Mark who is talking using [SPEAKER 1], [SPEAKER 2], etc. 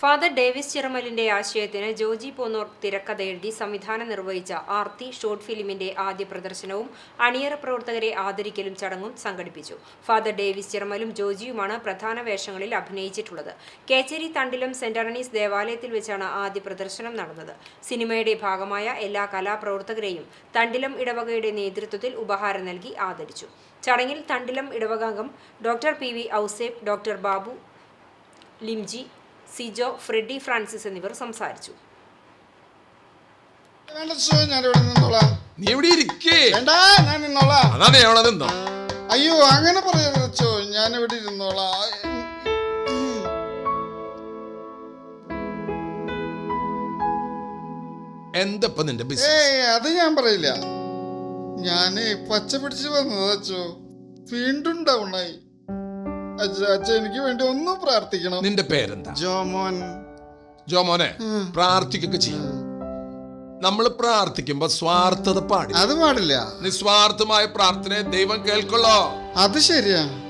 [SPEAKER 1] Father Davis ചിറമലിന്റെ ആശയത്തിന് ജോജി പോന്നൂർ തിരക്കഥ എഴുതി സംവിധാനം നിർവഹിച്ച ആർത്തി ഷോർട്ട് ഫിലിമിന്റെ ആദ്യ പ്രദർശനവും അണിയറ പ്രവർത്തകരെ ആദരിക്കലും ചടങ്ങും സംഘടിപ്പിച്ചു. ഫാദർ ഡേവിസ് ചിറമലും ജോജിയുമാണ് പ്രധാന വേഷങ്ങളിൽ അഭിനയിച്ചിട്ടുള്ളത്. കേച്ചേരി തണ്ടിലം സെന്റ് ആന്റണീസ് ദേവാലയത്തിൽ വെച്ചാണ് ആദ്യ പ്രദർശനം നടന്നത്. സിനിമയുടെ ഭാഗമായ എല്ലാ കലാപ്രവർത്തകരെയും തണ്ടിലം ഇടവകയുടെ നേതൃത്വത്തിൽ ഉപഹാരം നൽകി ആദരിച്ചു. ചടങ്ങിൽ തണ്ടിലം ഇടവകാംഗം doctor PV Ouseph, doctor Babu Limji, Sijo, Freddy Francis എന്നിവർ സംസാരിച്ചു.
[SPEAKER 2] അയ്യോ അങ്ങനെ പറയാച്ചോ, ഞാൻ ഇവിടെ ഇരുന്നോളാം.
[SPEAKER 3] എന്തപ്പ നിന്റെ
[SPEAKER 2] അത് ഞാൻ പറയില്ല. ഞാന് പച്ച പിടിച്ച് വന്നതച്ചോ, വീണ്ടും ഡൗണായി. അച്ഛ എനിക്ക് വേണ്ടി ഒന്നും പ്രാർത്ഥിക്കണം.
[SPEAKER 3] നിന്റെ പേരെന്താ?
[SPEAKER 2] ജോമോൻ.
[SPEAKER 3] ജോമോനെ, പ്രാർത്ഥിക്കൊക്കെ ചെയ്യാം. നമ്മൾ പ്രാർത്ഥിക്കുമ്പോ സ്വാർത്ഥത പാടില്ല.
[SPEAKER 2] അത് പാടില്ല.
[SPEAKER 3] നിസ്വാർത്ഥമായ പ്രാർത്ഥനയെ ദൈവം കേൾക്കുള്ളോ.
[SPEAKER 2] അത് ശരിയാ.